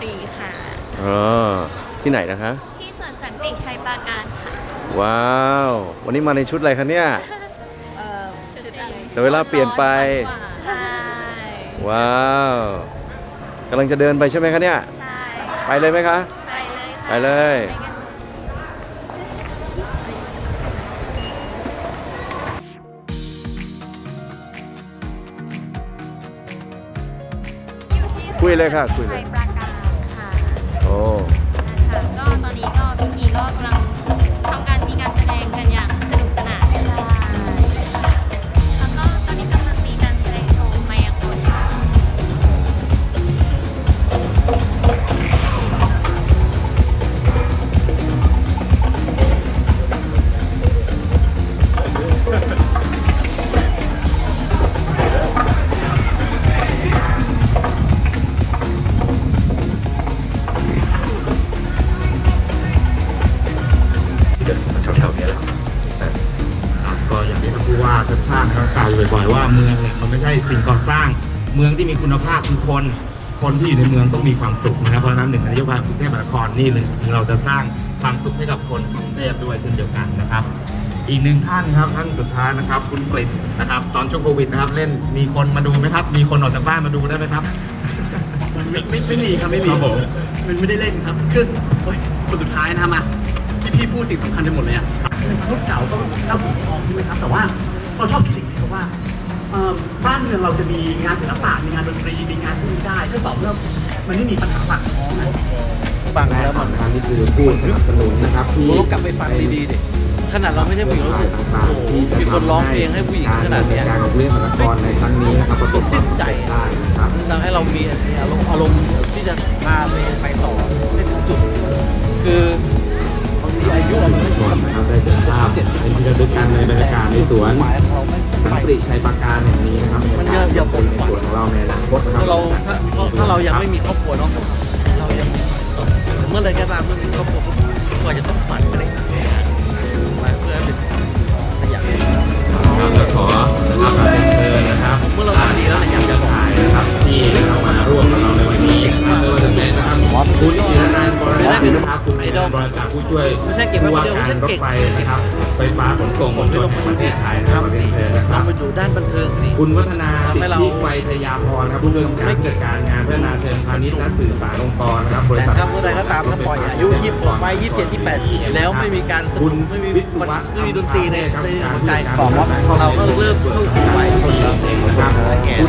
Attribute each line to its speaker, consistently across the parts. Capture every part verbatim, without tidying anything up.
Speaker 1: ตรีค่ะ
Speaker 2: อ๋อที่ไหนนะคะ
Speaker 1: ที่สวนสันติชัยปราการค่ะ
Speaker 2: ว้าววันนี้มาในชุดอะไรคะเนี่ย
Speaker 1: เอ่อชุดอะไร
Speaker 2: แต่เวลาเปลี่ยนไป
Speaker 1: ใช่
Speaker 2: ว้าวกำลังจะเดินไปใช่ไหมคะเนี่ย
Speaker 1: ใช่
Speaker 2: ไปเลยไหมคะ
Speaker 1: ไปเลยค่ะ
Speaker 2: ไปเลยคุยเลยค่ะคุยเลย
Speaker 1: ชัยปราการค่ะ
Speaker 2: โอ้
Speaker 1: ค่ะก็ตอนนี้ก็พิธีก็กำลังทำการมีการแสดงกันอย่างสนุกสนานใช่แล้วก็ตอนนี้กำลังมีการแสดงโชว์มายากลค่ะ
Speaker 3: ว่าชัดชาติเขากล่าวบ่อยๆว่าเมืองเนี่ยมันไม่ใช่สิ่งก่อสร้างเมืองที่มีคุณภาพคือคนคนที่อยู่ในเมืองต้องมีความสุขนะครับเพราะฉะนั้นหนึ่งนโยบายกรุงเทพมหานครนี่เลยเราจะสร้างความสุขให้กับคนกรุงเทพด้วยเช่นเดียวกันนะครับอีกหนึ่งท่านครับท่านสุดท้ายนะครับคุณกฤษนะครับตอนช่วงโควิดนะครับเล่นมีคนมาดูไหมครับมีคนออกจากบ้านมาดูได้ไหมครับ
Speaker 4: ไม่ไม่ไม่มีครับไม่มีมันไม่ได้เล่นครับคือคนสุดท้ายนะมาพี่พี่พูดสิ่งสำคัญไปหมดเลยอ่ะรุ่นเก่าก็เล่าถึงทองใช่ไหมครับแต่ว่าเราชอบคิดอย่างนี้ครับว่าบ้านเมืองเราจะมีงานศิลปะมีงานดนตรีมีงานพวกนี้ได้ก็ต่อเมื่อมันไม่มีปัญหาปากท้องนะ
Speaker 3: ฟังแล้วมันนี่คือผู้สนับสนุนนะครับที่
Speaker 5: เรากลับไปฟังดีๆดิขนาดเราไม่ใช่ผู้หญิงรู้สึกโอ้โหมีคนร้องเพลงให้ผู้หญิงขนาดนี้
Speaker 3: การของเรื่องมหานครในครั้งนี้นะครับประสบความสำเร็จได้นะครับ
Speaker 5: ทำให้เรามีอารมณ์อารมณ์ที่จะพาไปไปต่อให้ถึงจุดคือบางทีอายุเราไม่
Speaker 3: ชนนะครับได้เดินภาพเป็นที่ระลึกกันในบรรยากาศในสวนสันติชัยปราการแห่งนี้นะครับ
Speaker 5: มันเยอะเยอะผม
Speaker 3: ในสวนของเราในอนาคตนะครับ
Speaker 5: เราถ้าถ้าเรายังไม่มีครอบครัวเนาะเรายังเมื่อไรก็ตามเมื่อมีครอบครัวก็จะต้องฝันไปเลยมาเพื่อเป็นขยัน
Speaker 3: ครับแล้วขอนะครับเรียนเชิญนะครับ
Speaker 5: เมื่อเราทำดีแล้วเนี่ยอยากจะ
Speaker 3: ถ่ายนะครับที่เรามาร่วมกับเราในวันนี้นะครับโดยจะเป็นนะครับคุณอิรนันท์บริษัทนะครับคุณไอดอลบริษัทผู้ช่วยผู้ว่าการรถไฟนะครับไฟฟ้าขนส่งมวลชนแห่งประเทศไทยนะครับเรียนเชิญนะครับ
Speaker 5: ไปดูด้านบันเทิงสิ
Speaker 3: คุณวัฒนาสิทธิไวทยาพรครับผู้ช่วยการจัดการงานพัฒนาเชิงพาณิชย์และสื่อสารองค์กรนะครับบริษัท
Speaker 5: ครับเมื่อใดก็ตามถ้าปล่อยอายุยี่สิบหกไปยี่สิบเจ็ดยี่สิบแปดแล้วไม่มีการสนุกไม่มีไม่มีดนตรีในในหัวใจของเราก็เริ่มเข้าสู่วัยคนแล้วแก่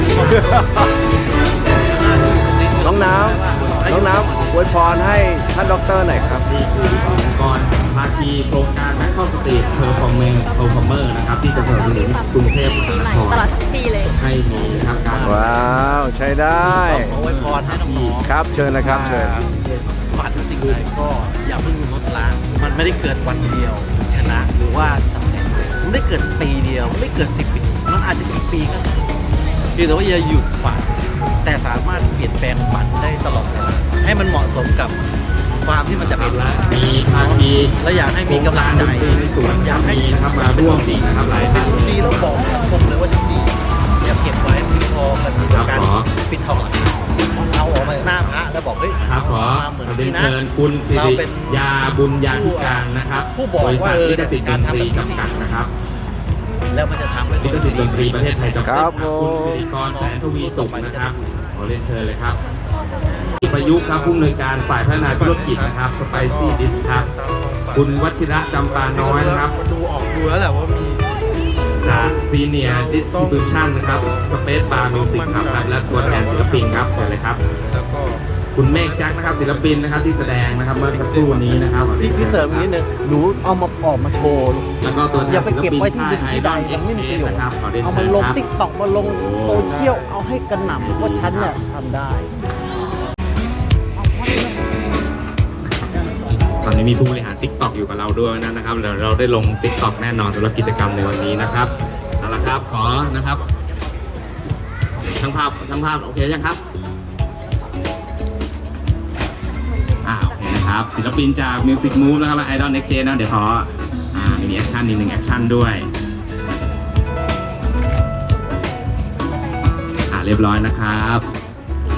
Speaker 2: น้องน้ำน้องน้ำอวยพรให้ท่านด็อกเตอร์หน่อยครับ
Speaker 3: นี่คือองค์กรภาคีโครงการแมคคอสตรีทเพอร์ฟอร์เมอร์เพอร์ฟอร์เมอร์นะครับที่จะสนับสนุนกรุงเทพมหานคร
Speaker 1: ตลอดทั้งปีเลย
Speaker 3: ให้มีนะครับการ
Speaker 2: ว้าวใช้ได้
Speaker 5: อวยพรให้น้อง
Speaker 2: ครับเชิญนะครับเชิญ
Speaker 5: ฝันสิ่งใดก็อย่าเพิ่งลดละมันไม่ได้เกิดวันเดียวชนะหรือว่าสำเร็จมันไม่เกิดปีเดียวมันไม่เกิดสิบปีมันอาจจะกี่ปีก็ได้เพียงแต่ว่าอย่าหยุดฝันแต่สามารถเปลี่ยนแปลงฝันได้ตลอดเวลาให้มันเหมาะสมกับความที่มันจะเป็น
Speaker 3: แล้วมีภาคี
Speaker 5: และอยากให้มีกำลังใจ
Speaker 3: ในสวนอยากให้นะครับมาร่วมดีนะครับหลายท่าน
Speaker 5: เป็นดีแล้วบอกสังคมเลยว่าฉันดีอย่าเก็บไว้มีทองกับการปิดทองหลังเอาออกมาหน้าพระแล้วบอกเฮ้ย
Speaker 3: ครับขอเรียนเชิญคุณสิริยาบุญญาธิการนะครับบริษัทลิขสิทธิ์ดนตรีจำกัดนะครับ
Speaker 5: แล้วมันจะทำให้
Speaker 3: ลิขสิทธิ์ดนตรีประเทศไทยจำกัดคุณสิริกรแสนทวีสุขนะครับขอเรียนเชิญเลยครับประยุกต์ครับผู้อำนวยการฝ่ายพัฒนาธุรกิจนะครับสไปซี่ดิสครับคุณวชิระจำปาน้อยนะครับ
Speaker 5: ดูออกดูแล้วแหละว่ามี
Speaker 3: จากซีเนียร์ดิสติบิวชั่นนะครับสเปซบาร์มิวสิกครับและตัวแทนศิลปินครับเชิญเลยครับคุณเมฆแจ็คนะครับศิลปินนะครับที่แสดงนะครับเมื่อสักครู่นี้นะครับ
Speaker 5: พี่พี่เสริมนิดนึงหนูเอามาออกมาโชว์
Speaker 3: แล้วก็ตัวแทนศิลปินค่ายไอดอลเอ็กซ์เชนนะครับขอเรียนเชิญครับเอามาลง
Speaker 5: ติ๊กต็อกมาลงโซเชียลเอาให้กระหน่ำว่าฉันเนี่ยทำได้
Speaker 3: ตอนนี้มีผู้บริหาร ติ๊กต็อก อยู่กับเราด้วยนะครับเดี๋ยวเราได้ลง ติ๊กต็อก แน่นอนสำหรับกิจกรรมในวันนี้นะครับเอาละครับขอนะครับช่างภาพช่างภาพโอเคยังครับอ่าโอเคนะครับศิลปินจาก Music Move นะครับและ Idol Next Gen นะเดี๋ยวขออ่ามีแอคชั่นนิดนึงแอคชั่นด้วยอ่าเรียบร้อยนะครับ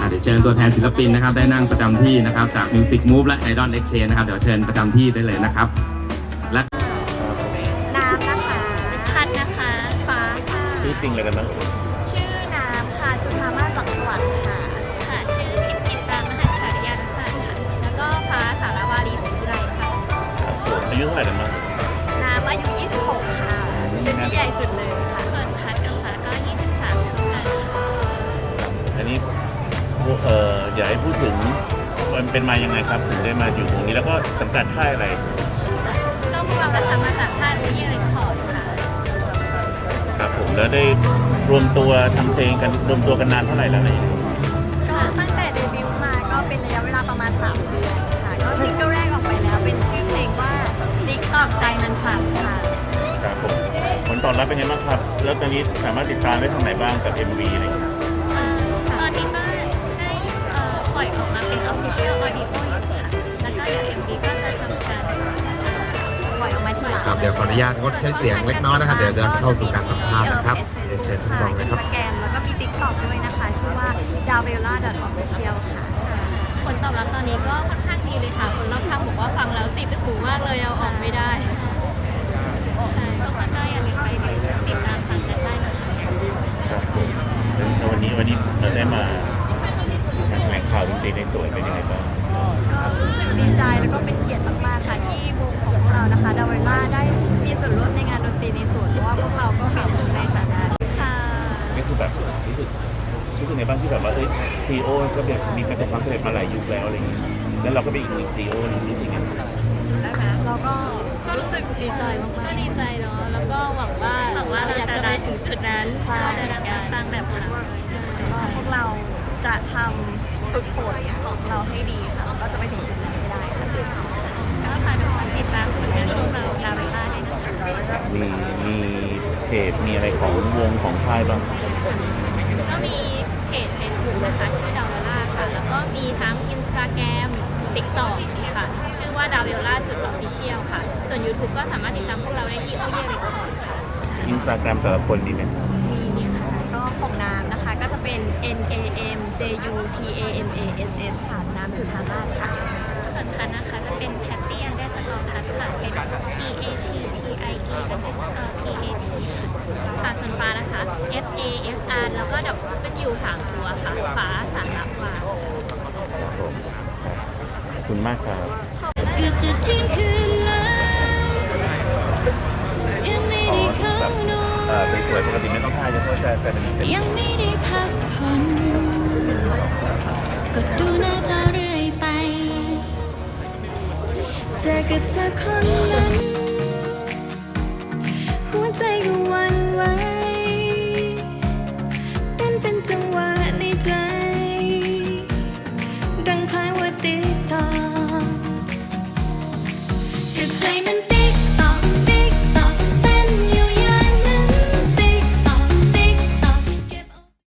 Speaker 3: เดี๋ยวเชิญตัวแทนศิลปินนะครับได้นั่งประจำที่นะครับจาก Music Move และ Idol Exchange นะครับเดี๋ยวเชิญประจำที่ได้เลยนะครับและ
Speaker 6: น้ำนะคะ
Speaker 1: พัดนะคะ ฟ้าค่ะ
Speaker 7: ชื่อจริงเลยกันบ้าง
Speaker 6: ชื่อน้ำค่ะ จุฑามาศหลักสวัสดิ์ค่ะ
Speaker 1: ค่ะ ชื่อพิมพินตามหาชาริยานุสาสตร์ค่ะ แล้วก็ฟ้าสารวารีศรีวิไลค่ะ
Speaker 7: อายุเท่าไหร่กันบ้าง
Speaker 6: น้ำอายุ ยี่สิบหก ค่ะ เป็นพี่ใหญ่สุดเลยค่ะ
Speaker 1: ส่วนพัดกับฟ้าก็ ยี่สิบสามเท่ากันค่ะ
Speaker 7: อันนี้พวกเอ่ออยากให้พูดถึงมันเป็นมายังไงครับถึงได้มาอยู่ตรงนี้แล้วก็สังกัดค่ายอะไร
Speaker 1: ก็พวกเราทำมาจากค่ายวิเรคคอร์ดค่ะ
Speaker 7: ครับผมแล้วได้รวมตัวทำเพลงกันรวมตัวกันนานเท่าไหร่แล้วอะไรอย่างเงี้ย
Speaker 6: ก็ตั้งแต่เดบิวต์มาก็เป็นระยะเวลาประมาณ สาม เดือนค่ะ ก็ซิงเกิลแรกออกไปแล้วเป็นชื่อเพลงว่าติ๊กตอกใจมันสั่นค่ะ
Speaker 7: ครับผมผลตอบรับเป็นยังไงบ้างครับ แล้วตอนนี้สามารถติดตามได้ทางไหนบ้างกับ เอ็ม วี อะไรอย่างเงี้ย
Speaker 1: เอ่อตอนนี้ก็ได้เอ่อปล่อยออกมาเป็น Official Audio อยู่ค่ะ แล้วก็เดี๋ยว เอ็ม วี ก็จะทำการ
Speaker 6: ปล่อยออกมาทีหลัง
Speaker 3: ครับเดี๋ยวขออนุญาตงดใช้เสียงเล็กน้อยนะครับเดี๋ยวจะเข้าสู่การสัมภาษณ์นะครับเรียนเชิญท่านรองเลยครับ
Speaker 6: อินสตาแกรมแล้วก็มีติ๊กต็อกด้วยนะคะ ชื่อว่า ดาเวลล่า ดอท ออฟฟิเชียล ค่ะ
Speaker 1: ผลตอบรับตอนนี้ก็ค่อนข้างดีเลยค่ะ คนรอบข้างบอกว่าฟังแล้วติดเป็นหูมากเลยเอาออกไม่ได้ใช่ทุกคนก็อย่าลืมไปติดตามฟังกันได้นะคะ
Speaker 7: ครับผมแล้ววันนี้วันนี้เราได้มาแถลงข่าวดนตรีในตัวเป็นยังไงบ้าง
Speaker 6: ก็รู้สึกดีใจแล้วก็เป็นเกียรติมากๆค่ะที่วงของพวกเรานะคะดาวิล่าได้มีส่วนร่วมในงานดนตรีในส่วนเพราะว่าพวกเราก็เป็นหนึ่งในฐานะค่ะ
Speaker 7: นี่คือแบบรู้สึกรู้สึกในบ้างที่แบบว่าเอ้ยซีโอก็แบบมีประสบความสำเร็จมาหลายยุคแล้วอะไรอย่างเงี้ยแล้วเราก็เป็นอีกหนึ่งซีโอนึงรู้สึกยังไง
Speaker 6: ได้ไหมเราก็รู้สึกดีใจมาก
Speaker 1: ก็ดีใจเนาะ แล้วก็หวังว่าหวังว่าเราจะได้ถึงจุดนั้น
Speaker 6: ใช่
Speaker 1: จะได้ตั้งแบบค่ะ
Speaker 6: ๆว่าพวกเราจะทำฝึกฝนของเราให้ดีค่ะเราก็จะไปถึงจุดนั้นให้ได้ค่ะ
Speaker 1: ก็ฝากทุกคนติดตามผลงานพวกเราดาวิล่าด้วยนะคะ
Speaker 7: มีมีเพจมีอะไรของวงของค่ายบ้าง
Speaker 1: ก็มีเพจ Facebook นะคะชื่อดาวิล่าค่ะ แล้วก็มีทั้ง Instagram TikTok ค่ะ ชื่อว่าดาวิล่าจุด Official ค่ะ ส่วน YouTube ก็สามารถติดตามพวกเราได้ที่โอเย่เรคคอร์ดค่ะ
Speaker 7: อินสตาแกรมแต่ละคนดีไหม
Speaker 1: มีเนี่ยค่ะ
Speaker 6: ก็ของน้ำนะคะก็จะเป็น N A M J U T A M A S S ค่ะน้ำจุฑามาศค่ะ
Speaker 1: ส่วนพันนะคะจะเป็น Patty underscore พัดค่ะ เป็น P A T T I E underscore P A T ค่ะส่วนฟ้านะคะ F A S R แล้วก็ดับเป็นยูสามตัวค่ะ ฟ้าสารวา
Speaker 7: ครับผมขอบคุณมากครับ
Speaker 1: เกือบจะเที่ยงคืนแล้วยังไม่
Speaker 7: อ๋อ
Speaker 1: ได้เข้า
Speaker 7: แบบ
Speaker 1: นอน
Speaker 7: เอ่อสวยๆปกติไม่ต้องท่าจะต้องแต่แต่เป็นเป็น
Speaker 1: ยังไม่ได้พักผ่อนก็ดูหน้าจอเรื่อยไป
Speaker 6: เจอกับเธอคนนั้นหัวใจก็หวั่นไหวเต้นเป็นจังหวะในใจดังคล้ายว่าติดต่อกับใจมัน